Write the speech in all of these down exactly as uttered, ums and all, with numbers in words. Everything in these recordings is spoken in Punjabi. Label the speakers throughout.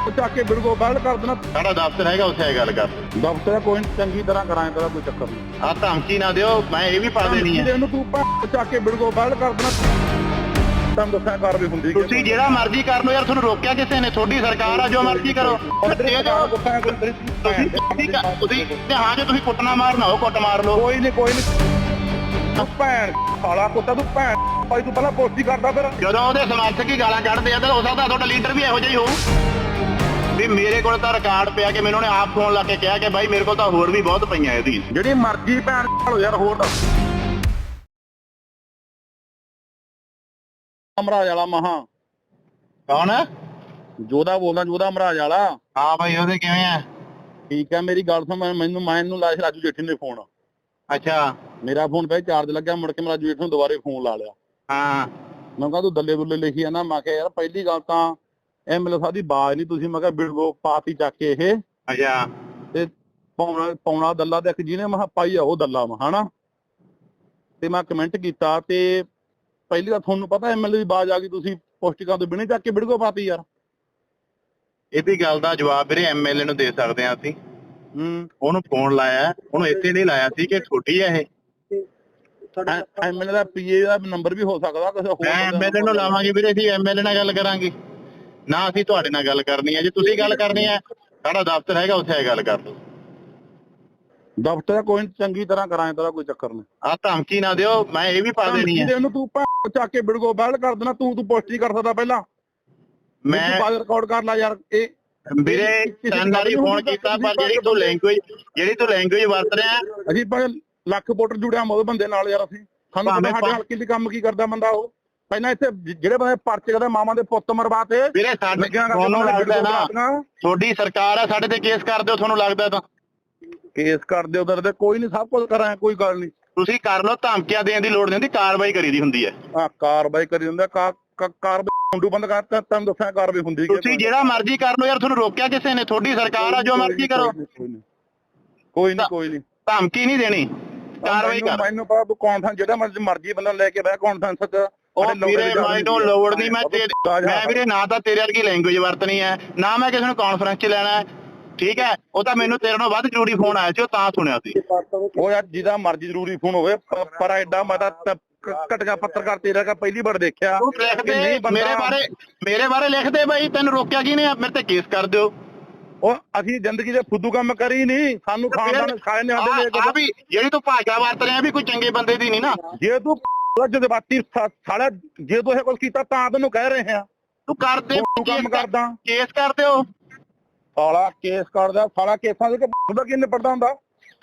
Speaker 1: ਚੱਕ ਕੇ ਬਿਲਕੁਲ ਬਾਹਰ ਕਰ ਦੇਣਾ।
Speaker 2: ਸਾਡਾ ਦਫ਼ਤਰ ਹੈਗਾ, ਉੱਥੇ ਗੱਲ ਕਰ।
Speaker 1: ਦਫ਼ਤਰ ਕੋਈ ਚੰਗੀ ਤਰ੍ਹਾਂ ਕਰਾਏ ਤੇਰਾ ਕੋਈ ਚੱਕਰ ਨਹੀਂ।
Speaker 2: ਆ ਧਮਕੀ ਨਾ ਦਿਓ, ਮੈਂ ਇਹ ਵੀ ਪਾ ਦੇਣੀ ਹੈ।
Speaker 1: ਇਹਨੂੰ ਤੂੰ ਚੱਕ ਕੇ ਬਿਲਕੁਲ ਬਾਹਰ ਕਰ ਦੇਣਾ। ਤੁਹਾਨੂੰ ਦੱਸਿਆ ਕਰ ਵੀ ਹੁੰਦੀ
Speaker 2: ਤੁਸੀਂ ਜਿਹੜਾ ਮਰਜ਼ੀ ਕਰ ਲਓ ਯਾਰ, ਤੁਹਾਨੂੰ ਰੋਕਿਆ ਕਿਸੇ ਨੇ? ਤੁਹਾਡੀ ਸਰਕਾਰ ਆ, ਜੋ ਮਰਜ਼ੀ ਕਰੋ। ਤੁਸੀਂ ਹਾਂ ਜੇ ਤੁਸੀਂ ਕੁੱਟਣਾ ਮਾਰਨਾ ਹੋ ਕੁੱਟ ਮਾਰ ਲਓ।
Speaker 1: ਕੋਈ ਨਹੀਂ ਕੋਈ ਨਹੀਂ ਤੂੰ ਭੈਣ ਸਾਲਾ ਕੁੱਤਾ, ਤੂੰ ਭੈਣ ਭਾਈ ਤੂੰ ਪਹਿਲਾਂ ਪੋਸਟੀ ਕਰਦਾ ਫਿਰ।
Speaker 2: ਜਦੋਂ ਉਹਦੇ ਸਮਰਥਕ ਹੀ ਗਾਲਾਂ ਕੱਢਦੇ ਆ ਤਾਂ ਹੋ ਸਕਦਾ ਤੁਹਾਡਾ ਲੀਡਰ ਵੀ ਇਹੋ ਜਿਹਾ ਹੀ ਹੋਊ। ਵੀ ਮੇਰੇ ਕੋਲ ਤਾਂ ਰਿਕਾਰਡ ਪਿਆ ਕਿ ਮੈਨੂੰ ਉਹਨੇ ਆਪ ਫੋਨ ਲਾ ਕੇ ਕਿਹਾ ਕਿ ਬਾਈ ਮੇਰੇ ਕੋਲ ਤਾਂ ਹੋਰ ਵੀ ਬਹੁਤ ਪਈਆਂ ਇਹਦੀ।
Speaker 1: ਜਿਹੜੀ ਮਰਜ਼ੀ ਭੈਣ ਲੋ ਯਾਰ ਹੋਰ ਦੱਸ। ਮਹਾਰਾਜ ਵਾਲਾ ਮਹਾ
Speaker 2: ਕੌਣ ਹੈ?
Speaker 1: ਜੋਦਾ ਬੋਲਦਾ, ਜੋਦਾ ਮਹਾਰਾਜ ਵਾਲਾ।
Speaker 2: ਹਾਂ ਬਾਈ, ਉਹਦੇ ਕਿਵੇਂ ਆ?
Speaker 1: ਠੀਕ ਹੈ, ਮੇਰੀ ਗੱਲ ਸੁਣ। ਮੈਨੂੰ ਮੈਨੂੰ ਲਾਇਆ ਰਾਜੂ ਜੇਠੀ ਨੇ ਫੋਨ।
Speaker 2: ਅੱਛਾ,
Speaker 1: ਮੇਰਾ ਫੋਨ ਪਹਿਲਾਂ ਚਾਰਜ ਲੱਗਿਆ, ਮੁੜ ਕੇ ਮੈਂ ਰਾਜੂ ਜੇਠੀ ਨੂੰ ਦੁਬਾਰੇ ਫੋਨ ਲਾ ਲਿਆ।
Speaker 2: ਹਾਂ,
Speaker 1: ਮੈਂ ਕਿਹਾ ਤੂੰ ਦੱਲੇ ਦੁੱਲੇ ਲਿਖੀ ਆ ਨਾ। ਮੈਂ ਕਿਹਾ ਯਾਰ ਪਹਿਲੀ ਗੱਲ ਤਾਂ ਐਮਐਲਏ ਸਾਹਿਬ ਦੀ ਬਾਜ਼ ਨਹੀਂ ਤੁਸੀਂ, ਮੈਂ ਕਿਹਾ ਬਿਲਕੁਲ ਪਾਤੀ ਚੱਕ ਕੇ ਇਹ।
Speaker 2: ਅੱਛਾ,
Speaker 1: ਤੇ ਪਾਉਣਾ ਪਾਉਣਾ ਦੱਲਾ ਤੇ ਇੱਕ ਜਿਹਨੇ ਮੈਂ ਪਾਈ ਆ ਉਹ ਦੱਲਾ ਵਾ ਹਨਾ। ਤੇ ਮੈਂ ਕਮੈਂਟ ਕੀਤਾ ਤੇ ਪਹਿਲੀ ਵਾਰ ਤੁਹਾਨੂੰ ਪਤਾ ਐਮਐਲਏ ਦੀ ਬਾਜ਼ ਆ ਗਈ, ਤੁਸੀਂ ਪੋਸਟਿਕਾਂ ਤੋਂ ਬਿਨਾਂ ਚੱਕ ਕੇ ਬਿਲਕੁਲ ਪਾਤੀ ਯਾਰ।
Speaker 2: ਇਹਦੀ ਗੱਲ ਦਾ ਜਵਾਬ ਵੀਰੇ ਐਮਐਲਏ ਨੂੰ ਦੇ ਸਕਦੇ ਆ ਅਸੀਂ।
Speaker 1: ਹੂੰ,
Speaker 2: ਉਹਨੂੰ ਫੋਨ ਲਾਇਆ, ਉਹਨੂੰ ਇੱਥੇ ਨਹੀਂ ਲਾਇਆ ਸੀ ਕਿ ਛੋਟੀ ਹੈ ਇਹ।
Speaker 1: ਐਮਐਲਏ ਦਾ ਪੀਏ ਦਾ ਨੰਬਰ ਵੀ ਹੋ ਸਕਦਾ ਕਿਸੇ ਹੋਰ।
Speaker 2: ਮੈਂ ਐਮਐਲਏ ਨੂੰ ਲਾਵਾਂਗੇ ਵੀਰੇ, ਅਸੀਂ ਐਮਐਲਏ ਨਾਲ ਗੱਲ ਕਰਾਂਗੇ ਨਾ, ਅਸੀਂ ਤੁਹਾਡੇ ਨਾਲ ਗੱਲ ਕਰਨੀ ਹੈ। ਜੇ ਤੁਸੀਂ ਗੱਲ ਕਰਨੀ ਹੈ, ਸਾਡਾ ਦਫ਼ਤਰ ਹੈਗਾ, ਉੱਥੇ ਗੱਲ ਕਰ ਲਓ।
Speaker 1: ਦਫ਼ਤਰ ਕੋਈ ਚੰਗੀ ਤਰ੍ਹਾਂ ਕਰਾਏ ਤੇਰਾ ਕੋਈ ਚੱਕਰ ਨਹੀਂ।
Speaker 2: ਆ ਧਮਕੀ ਨਾ ਦਿਓ, ਮੈਂ ਇਹ ਵੀ ਪਾ ਦੇਣੀ ਹੈ।
Speaker 1: ਇਹਨੂੰ ਤੂੰ ਚੱਕ ਕੇ ਬਿਲਕੁਲ ਬਾਹਰ ਕਰ ਦੇਣਾ। ਤੂੰ ਤੂੰ ਪੋਸਟ ਹੀ ਕਰ ਸਕਦਾ ਪਹਿਲਾਂ।
Speaker 2: ਮੈਂ
Speaker 1: ਰਿਕਾਰਡ ਕਰ ਲੈ ਯਾਰ। ਇਹ
Speaker 2: ਵੀਰੇ ਤਿੰਨ ਵਾਰੀ ਫੋਨ ਕੀਤਾ, ਪਰ ਜਿਹੜੀ ਤੂੰ ਲੈਂਗੁਏਜ ਜਿਹੜੀ ਤੂੰ ਲੈਂਗੁਏਜ ਵਰਤ ਰਿਹਾ।
Speaker 1: ਅਸੀਂ ਭਾਵੇਂ ਲੱਖ ਵੋਟਰ ਜੁੜਿਆ ਮੋਦ ਬੰਦੇ ਨਾਲ ਯਾਰ। ਅਸੀਂ ਸਾਨੂੰ ਪਤਾ ਸਾਡੇ ਹਲਕੇ ਦੀ ਕੰਮ ਕੀ ਕਰਦਾ ਬੰਦਾ ਉਹ। ਪਹਿਲਾਂ ਇੱਥੇ ਜਿਹੜੇ ਬੰਦੇ ਪਰਚੇ ਕਰਦੇ ਮਾਵਾਂ ਦੇ ਪੁੱਤ ਮਰਵਾਤੇ।
Speaker 2: ਵੀਰੇ ਸਾਡੇ ਤੁਹਾਨੂੰ ਲੱਗਦਾ ਨਾ ਤੁਹਾਡੀ ਸਰਕਾਰ ਆ, ਸਾਡੇ ਤੇ ਕੇਸ ਕਰ ਦਿਓ ਤੁਹਾਨੂੰ ਲੱਗਦਾ ਤਾਂ।
Speaker 1: ਕੇਸ ਕਰ ਦਿਓ ਉਧਰ ਤੇ ਕੋਈ ਨਹੀਂ, ਸਭ ਕੁਝ ਕਰਾਂ, ਕੋਈ ਗੱਲ ਨਹੀਂ।
Speaker 2: ਤੁਸੀਂ ਕਰ ਲਓ, ਧਮਕੀਆਂ ਦੇਣ ਦੀ ਲੋੜ ਨਹੀਂ ਹੁੰਦੀ, ਕਾਰਵਾਈ ਕਰੀ ਦੀ ਹੁੰਦੀ ਹੈ।
Speaker 1: ਹਾਂ, ਕਾਰਵਾਈ ਕਰੀ ਹੁੰਦਾ। ਕਾਰਵਾਈ ਮੁੰਡੂ ਬੰਦ ਕਰਤਾ, ਤੁਹਾਨੂੰ ਦੱਸਿਆ ਕਾਰਵਾਈ ਹੁੰਦੀ।
Speaker 2: ਤੁਸੀਂ ਜਿਹੜਾ ਮਰਜ਼ੀ ਕਰ ਲਓ ਯਾਰ, ਤੁਹਾਨੂੰ ਰੋਕਿਆ ਕਿਸੇ ਨੇ? ਤੁਹਾਡੀ ਸਰਕਾਰ ਆ, ਜੋ ਮਰਜ਼ੀ ਕਰੋ।
Speaker 1: ਕੋਈ ਨਹੀਂ ਕੋਈ ਨਹੀਂ,
Speaker 2: ਧਮਕੀ ਨਹੀਂ ਦੇਣੀ, ਕਾਰਵਾਈ ਕਰ।
Speaker 1: ਮੈਨੂੰ ਪਤਾ ਤੂੰ ਕੌਨਫਰੰਸ ਜਿਹੜਾ ਮਰਜ਼ੀ ਬੰਦਾ ਲੈ ਕੇ ਬਹਿ ਕੌਨਫਰੰਸ ਚ।
Speaker 2: ਉਹ ਵੀਰੇ ਮੈਨੂੰ ਲੋੜ ਨਹੀਂ, ਮੈਂ ਤੇਰੇ ਮੈਂ ਵੀਰੇ ਨਾ ਤਾਂ ਤੇਰੇ ਵਰਗੀ ਲੈਂਗੁਏਜ ਵਰਤਣੀ ਹੈ, ਨਾ ਮੈਂ ਕਿਸੇ ਨੂੰ ਕਾਨਫਰੰਸ ਚ ਲੈਣਾ ਹੈ। ਠੀਕ ਹੈ, ਉਹ ਤਾਂ ਮੈਨੂੰ ਤੇਰੇ ਨਾਲੋਂ ਵੱਧ ਜ਼ਰੂਰੀ ਫੋਨ ਆਇਆ ਸੀ, ਉਹ ਤਾਂ ਸੁਣਿਆ ਸੀ।
Speaker 1: ਉਹ ਯਾਰ ਜਿਹਦਾ ਮਰਜ਼ੀ ਜ਼ਰੂਰੀ ਫੋਨ ਹੋਵੇ, ਪਰ ਐਡਾ ਮੈਂ ਤਾਂ ਘਟਗਾ ਪੱਤਰਕਾਰ ਤੇਰਾ ਕਾ ਪਹਿਲੀ ਵਾਰ ਦੇਖਿਆ।
Speaker 2: ਮੇਰੇ ਬਾਰੇ ਮੇਰੇ ਬਾਰੇ ਲਿਖਦੇ ਬਾਈ, ਤੈਨੂੰ ਰੋਕਿਆ ਕੀ ਨੇ? ਮੇਰੇ ਤੇ ਕੇਸ ਕਰ ਦਿਓ।
Speaker 1: ਉਹ ਅਸੀਂ ਜ਼ਿੰਦਗੀ ਦੇ ਫੁੱਦੂ ਕੰਮ ਕਰੀ ਨਹੀਂ, ਸਾਨੂੰ ਖਾਨਦਾਨ ਖਾਏ ਨੇ ਸਾਡੇ।
Speaker 2: ਆ ਵੀ ਜਿਹੜੀ ਤੂੰ ਭਾਸ਼ਾ ਵਰਤ ਰਿਹਾ ਵੀ ਕੋਈ ਚੰਗੇ ਬੰਦੇ ਦੀ ਨਹੀਂ ਨਾ।
Speaker 1: ਜੇ ਤੂੰ ਜਜ਼ਬਾਤੀ ਸਾਲਾ ਜੇ ਤੂੰ ਇਹ ਕੁਝ ਕੀਤਾ ਤਾਂ ਤੈਨੂੰ ਕਹਿ ਰਹੇ ਆ।
Speaker 2: ਤੂੰ ਕਰਦੇ
Speaker 1: ਕੰਮ ਕਰਦਾ,
Speaker 2: ਕੇਸ ਕਰ ਦਿਓ।
Speaker 1: ਸਾਲਾ ਕੇਸ ਕਰਦਾ, ਸਾਲਾ ਕੇਸਾਂ ਦੇ ਉਹਦਾ ਕੀ ਨਿਪਟਦਾ ਹੁੰਦਾ।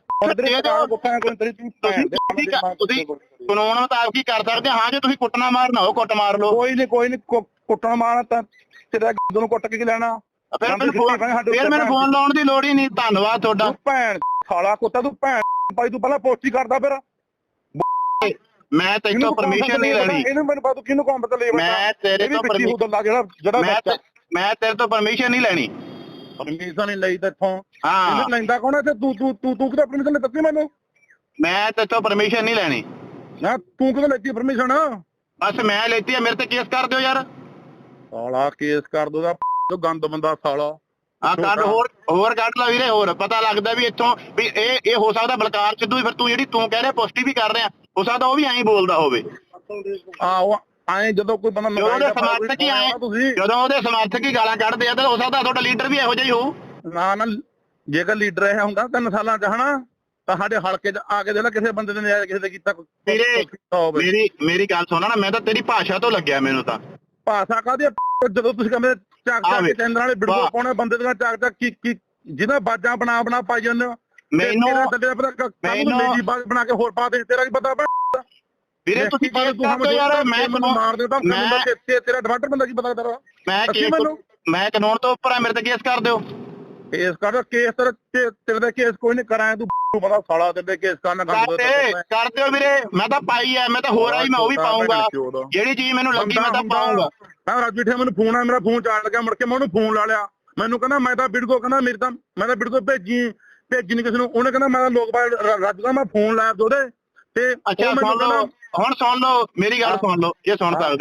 Speaker 2: ਤੁਸੀਂ ਕਾਨੂੰਨ ਮੁਤਾਬਕ ਹੀ ਕਰ ਸਕਦੇ। ਹਾਂ ਜੇ ਤੁਸੀਂ ਕੁੱਟਣਾ ਮਾਰਨਾ ਹੋ ਕੁੱਟ ਮਾਰ ਲਓ।
Speaker 1: ਕੋਈ ਨਹੀਂ ਕੋਈ ਨਹੀਂ, ਕੁੱਟਣ ਮਾਰਨਾ ਤਾਂ ਤੇਰਾ ਨੂੰ ਕੁੱਟ ਕੇ ਲੈਣਾ।
Speaker 2: ਫਿਰ ਮੈਨੂੰ ਫਿਰ ਮੈਨੂੰ ਫੋਨ ਲਾਉਣ ਦੀ ਲੋੜ ਹੀ ਨਹੀਂ। ਧੰਨਵਾਦ ਤੁਹਾਡਾ।
Speaker 1: ਭੈਣ ਸਾਲਾ ਕੁੱਤਾ, ਤੂੰ ਭੈਣ ਭਾਈ ਤੂੰ ਪਹਿਲਾਂ ਪੋਸਟ ਹੀ ਕਰਦਾ ਫਿਰ।
Speaker 2: ਮੈਂ ਤੇਤੋਂ ਪਰਮਿਸ਼ਨ ਨਹੀਂ ਲੈਣੀ।
Speaker 1: ਇਹਨੂੰ ਮੈਨੂੰ ਪਤਾ ਕਿਹਨੂੰ ਕੰਮ ਤੇ ਲੈ।
Speaker 2: ਮੈਂ ਤੇਰੇ ਤੋਂ
Speaker 1: ਪਰਮਿਸ਼ਨ ਜਿਹੜਾ ਜਿਹੜਾ
Speaker 2: ਮੈਂ ਤੇਰੇ ਤੋਂ ਪਰਮਿਸ਼ਨ ਨਹੀਂ ਲੈਣੀ।
Speaker 1: ਪਰਮਿਸ਼ਨ ਨਹੀਂ ਲਈ ਤੇ ਇੱਥੋਂ।
Speaker 2: ਹਾਂ,
Speaker 1: ਇਹਨੂੰ ਲੈਂਦਾ ਕੌਣ ਹੈ ਤੇ ਤੂੰ ਤੂੰ ਤੂੰ ਤੂੰ ਕਿਤੇ ਪਰਮਿਸ਼ਨ ਦਿੱਤੀ ਮੈਨੂੰ?
Speaker 2: ਮੈਂ ਤੇਤੋਂ ਪਰਮਿਸ਼ਨ ਨਹੀਂ ਲੈਣੀ।
Speaker 1: ਨਾ ਤੂੰ ਕਿਤੇ ਲੈਤੀ ਪਰਮਿਸ਼ਨ?
Speaker 2: ਬਸ ਮੈਂ ਲੈਤੀ ਆ, ਮੇਰੇ ਤੇ ਕੇਸ ਕਰ ਦਿਓ ਯਾਰ।
Speaker 1: ਸਾਲਾ ਕੇਸ ਕਰ ਦੋ ਦਾ ਗੰਦ ਬੰਦਾ ਸਾਲਾ।
Speaker 2: ਆ ਕੱਢ ਹੋਰ ਹੋਰ ਕੱਢ ਲਾ ਵੀਰੇ। ਹੋਰ ਪਤਾ ਲੱਗਦਾ ਵੀ ਇੱਥੋਂ ਵੀ ਇਹ ਇਹ ਹੋ ਸਕਦਾ ਬਲਕਾਰ ਸਿੱਧੂ। ਫਿਰ ਤੂੰ ਜਿਹੜੀ ਤੂੰ ਕਹਿ ਰਿਹਾ ਪੁਸ਼ਟੀ ਵੀ ਕਰ ਰਿਹਾ, ਹੋ ਸਕਦਾ ਉਹ ਵੀ ਐਂ ਬੋਲਦਾ ਹੋਵੇ।
Speaker 1: ਆਹੋ ਐਂ ਜਦੋਂ ਕੋਈ ਬੰਦਾ
Speaker 2: ਉਹਦੇ ਸਮਰਥਕ ਹੀ ਆਏ, ਜਦੋਂ ਉਹਦੇ ਸਮਰਥਕ ਹੀ ਗਾਲਾਂ ਕੱਢਦੇ ਆ ਤਾਂ ਹੋ ਸਕਦਾ ਤੁਹਾਡਾ ਲੀਡਰ ਵੀ ਇਹੋ ਜਿਹਾ ਹੀ ਹੋਊ।
Speaker 1: ਨਾ ਨਾ, ਜੇਕਰ ਲੀਡਰ ਇਹ ਹੁੰਦਾ ਤਿੰਨ ਸਾਲਾਂ ਚ ਹਨਾ, ਤਾਂ ਸਾਡੇ ਹਲਕੇ ਚ ਆ ਕੇ ਦੇ ਕਿਸੇ ਬੰਦੇ ਨੇ ਨਜਾਇਜ਼ ਕਿਸੇ ਦੇ ਕੀਤਾ।
Speaker 2: ਵੀਰੇ ਮੇਰੀ ਮੇਰੀ ਗੱਲ ਸੁਣਾ ਨਾ, ਮੈਂ ਤਾਂ ਤੇਰੀ ਭਾਸ਼ਾ ਤੋਂ ਲੱਗਿਆ ਮੈਨੂੰ ਤਾਂ।
Speaker 1: ਭਾਸ਼ਾ ਕਾਹਦੀ? ਜਦੋਂ ਤੁਸੀਂ ਕਹਿੰਦੇ ਚੱਕ ਚੱਕ ਕੇ ਚੰਦਰ ਵਾਲੇ ਵੀਡੀਓ ਪਾਉਣੇ ਬੰਦੇ ਦੀਆਂ ਚੱਕ ਚੱਕ ਕੀ ਕੀ ਜਿਹਦਾ ਬਾਜਾਂ ਬਣਾ ਬਣਾ ਪਾਈ ਜਾਂਦੇ ਹੋ।
Speaker 2: ਮੈਨੂੰ
Speaker 1: ਮੈਨੂੰ ਬਣਾ ਕੇ ਹੋਰ ਪਾ ਦੇ, ਤੇਰਾ ਕੀ ਪਤਾ?
Speaker 2: ਵੀਰੇ ਤੁਸੀਂ ਯਾਰ ਮੈਂ
Speaker 1: ਮਾਰ ਦੇਦਾ ਤੇਰਾ ਡਿਫਾਲਟਰ ਬੰਦਾ ਕੀ ਪਤਾ ਤੇਰਾ?
Speaker 2: ਮੈਂ ਮੈਂ ਕਾਨੂੰਨ ਤੋਂ ਉੱਪਰ ਆ, ਮੇਰੇ ਤੇ ਕੇਸ ਕਰ ਦਿਓ।
Speaker 1: ਕੇਸ ਕਰ ਕੇਸ ਤੇਰੇ ਤੇ ਕੇਸ ਕੋਈ ਨਹੀਂ ਕਰਾਇਆ। ਤੂੰ ਬੰਦਾ ਸਾਲਾ ਤੇਰੇ ਕੇਸ ਕਰਨਾ
Speaker 2: ਕਰ ਦਿਓ ਵੀਰੇ। ਮੈਂ ਤਾਂ ਪਾਈ ਐ, ਮੈਂ ਤਾਂ ਹੋਰ ਆਈ, ਮੈਂ ਉਹ ਵੀ ਪਾਉਂਗਾ। ਜਿਹੜੀ ਚੀਜ਼ ਮੈਨੂੰ ਲੱਗੀ ਮੈਂ ਤਾਂ ਪਾਉਂਗਾ। ਮੈਂ ਰਾਜੂ ਠੇ ਮੈਨੂੰ ਫੋਨ ਆ, ਮੇਰਾ ਫੋਨ ਚਾੜ ਲੱਗਿਆ, ਮੁੜ ਕੇ ਮੈਂ ਉਹਨੂੰ ਫੋਨ ਲਾ ਲਿਆ। ਮੈਨੂੰ ਕਹਿੰਦਾ ਮੈਂ ਤਾਂ ਵੀਡੀਓ ਕਹਿੰਦਾ ਮੇਰੀ ਤਾਂ ਮੈਂ ਤਾਂ ਵੀਡੀਓ ਭੇਜੀ ਭੇਜੀ ਨੀ ਕਿਸੇ ਨੂੰ। ਉਹਨੇ ਕਹਿੰਦਾ ਮੈਂ ਲੋਕ ਰਾਜੂ ਦਾ ਮੈਂ ਫੋਨ ਲਾਇਆ ਉਹਦੇ ਤੇ। ਅੱਛਾ ਸੁਣ ਲਓ, ਹੁਣ ਸੁਣ ਲਓ ਮੇਰੀ ਗੱਲ ਸੁਣ ਲਓ, ਇਹ ਸੁਣ ਸਕਦੇ ਆ।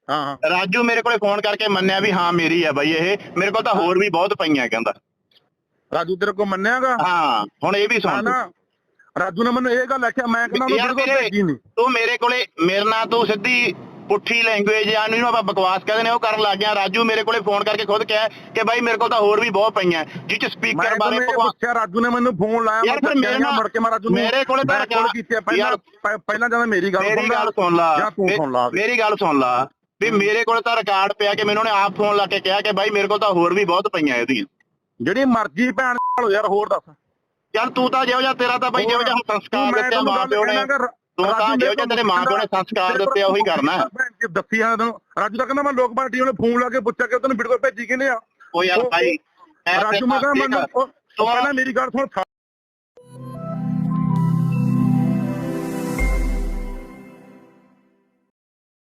Speaker 1: ਹਾਂ ਹਾਂ
Speaker 2: ਰਾਜੂ ਮੇਰੇ ਕੋਲੇ ਫੋਨ ਕਰਕੇ ਮੰਨਿਆ ਵੀ ਹਾਂ ਮੇਰੀ ਹੈ ਬਾਈ ਇਹ, ਮੇਰੇ ਕੋਲ ਤਾਂ ਹੋਰ ਵੀ ਬਹੁਤ ਪਈਆਂ ਕਹਿੰਦਾ।
Speaker 1: ਰਾਜੂ ਤੇਰੇ ਕੋਲ ਮੰਨਿਆਗਾ?
Speaker 2: ਹਾਂ ਹੁਣ ਇਹ ਵੀ ਸੁਣ
Speaker 1: ਨਾ ਰਾਜੂ ਨੇ ਮੈਨੂੰ ਇਹ ਗੱਲ ਆਖਿਆ, ਮੈਂ ਕਹਿੰਦਾ ਉਹਨੂੰ ਬਿਲਕੁਲ ਭੇਜੀ ਨਹੀਂ।
Speaker 2: ਤੂੰ ਮੇਰੇ ਕੋਲੇ ਮੇਰੇ ਨਾਲ ਤੂੰ ਸਿੱਧੀ ਪੁੱਠੀ ਲੈਂਗੁਏਜ ਜਾਂ ਇਹਨੂੰ ਆਪਾਂ ਬਕਵਾਸ ਕਹਿੰਦੇ ਨੇ ਉਹ ਕਰਨ ਲੱਗ ਗਿਆ। ਰਾਜੂ ਮੇਰੇ ਕੋਲੇ ਫੋਨ ਕਰਕੇ ਖੁਦ ਕਿਹਾ ਕਿ ਬਾਈ ਮੇਰੇ ਕੋਲ ਤਾਂ ਹੋਰ ਵੀ ਬਹੁਤ ਪਈਆਂ, ਜਿਹ ਚ ਸਪੀਕਰ ਬਾਰੇ
Speaker 1: ਪੁੱਛਿਆ। ਰਾਜੂ ਨੇ ਮੈਨੂੰ ਫੋਨ ਲਾਇਆ,
Speaker 2: ਯਾਰ ਫਿਰ ਮੇਰੇ ਨਾਲ
Speaker 1: ਮੁੜ ਕੇ ਮੈਂ ਰਾਜੂ ਨੂੰ
Speaker 2: ਮੇਰੇ ਕੋਲੇ ਤਾਂ
Speaker 1: ਕਾਲ ਕੀਤੀ ਪਹਿਲਾਂ ਪਹਿਲਾਂ ਜਦੋਂ ਮੇਰੀ ਗੱਲ
Speaker 2: ਮੇਰੀ ਗੱਲ ਸੁਣ ਲਾ
Speaker 1: ਜਾਂ ਤੂੰ ਸੁਣ ਲਾ
Speaker 2: ਮੇਰੀ ਗੱਲ ਸੁਣ ਲਾ ਵੀ ਮੇਰੇ ਕੋਲ ਤਾਂ ਰਿਕਾਰਡ ਪਿਆ ਕਿ ਮੈਨੂੰ ਉਹਨੇ ਆਪ ਫੋਨ ਲਾ ਕੇ ਕਿਹਾ ਕਿ ਬਾਈ ਮੇਰੇ ਕੋਲ ਤਾਂ ਹੋਰ ਵੀ ਬਹੁਤ ਪਈਆਂ ਇਹਦੀਆਂ।
Speaker 1: ਜਿਹੜੀ ਮਰਜ਼ੀ ਭੈਣ ਲੋ ਯਾਰ, ਹੋਰ ਦੱਸ
Speaker 2: ਯਾਰ ਤੂੰ ਤਾਂ ਜਿਹੋ ਜਿਹਾ ਤੇਰਾ ਤਾਂ ਬਾਈ ਜਿਹੋ ਜਿਹਾ ਸੰਸਕਾਰ ਦਿੱਤੇ ਮਾਂ ਪਿਓ ਨੇ, ਤੂੰ ਤਾਂ ਜਿਹੋ ਜਿਹਾ ਤੇਰੇ ਮਾਂ ਪਿਓ ਨੇ ਸੰਸਕਾਰ ਦਿੱਤੇ ਉਹੀ ਕਰਨਾ।
Speaker 1: ਦੱਸੀ ਆ ਤੈਨੂੰ ਰਾਜੂ ਤਾਂ ਕਹਿੰਦਾ ਮੈਂ ਲੋਕ ਪਾਰਟੀ ਉਹਨੇ ਫੋਨ ਲਾ ਕੇ ਪੁੱਛਿਆ ਕਿ ਤੈਨੂੰ ਵੀਡੀਓ ਭੇਜੀ ਕਿਹਨੇ ਆ।
Speaker 2: ਉਹ ਯਾਰ ਭਾਈ
Speaker 1: ਰਾਜੂ ਮੈਂ ਕਹਿੰਦਾ ਮੈਨੂੰ ਪਹਿਲਾਂ ਮੇਰੀ ਗੱਲ ਸੁਣ,